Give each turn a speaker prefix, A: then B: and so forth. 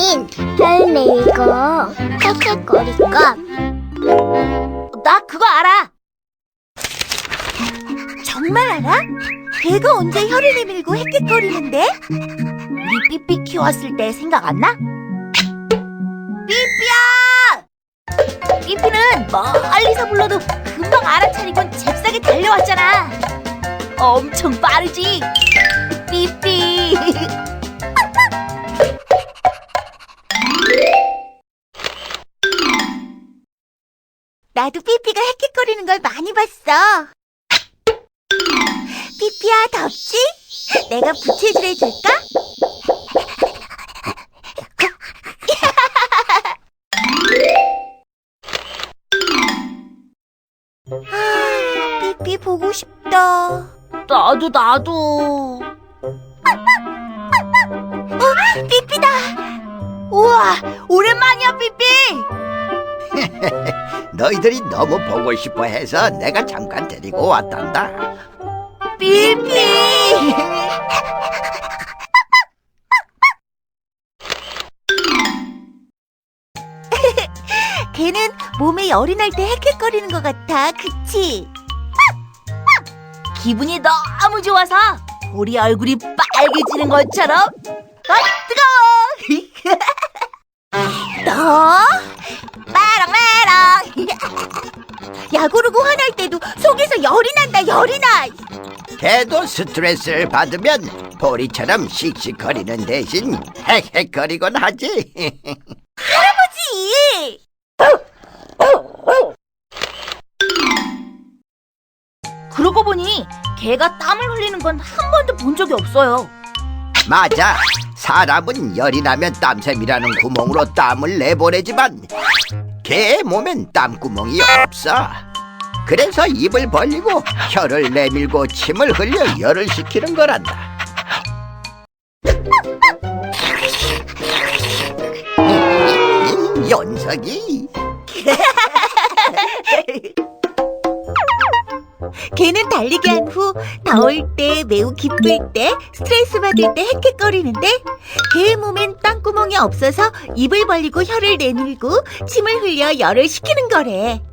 A: 대신 혀를 내밀고 헥헥거릴까?
B: 나 그거 알아. 정말 알아? 걔가 언제 혀를 내밀고 헥헥거리는데? 우리 삐삐 키웠을 때 생각 안 나? 삐삐야! 삐삐는 멀리서 불러도 금방 알아차리곤 잽싸게 달려왔잖아. 엄청 빠르지? 삐삐. 나도 삐삐가 헥헥거리는 걸 많이 봤어. 삐삐야, 덥지? 내가 부채질 해줄까? 삐삐 보고 싶다. 나도. 삐삐다. 우와, 오랜만이야, 삐삐.
C: 너희들이 너무 보고 싶어 해서 내가 잠깐 데리고 왔단다.
B: 삐삐. 걔는 몸에 열이 날 때 헥헥거리는 것 같아, 그치? 기분이 너무 좋아서 우리 얼굴이 빨개지는 것처럼. 뜨거워. 너 메롱메롱. 야구르고 화날 때도 속에서 열이 난다, 열이 나.
C: 걔도 스트레스를 받으면 보리처럼 씩씩거리는 대신 헥헥거리곤 하지.
B: 할아버지! 그러고 보니 걔가 땀을 흘리는 건 한 번도 본 적이 없어요.
C: 맞아. 사람은 열이 나면 땀샘이라는 구멍으로 땀을 내보내지만 걔의 몸엔 땀구멍이 없어. 그래서 입을 벌리고 혀를 내밀고 침을 흘려 열을 식히는 거란다. 연석이.
B: 걔는 달리기 한 후 더울 때, 매우 기쁠 때, 스트레스 받을 때 헥헥거리는데 걔의 몸엔 땀구멍이 없어서 입을 벌리고 혀를 내밀고 침을 흘려 열을 식히는 거래.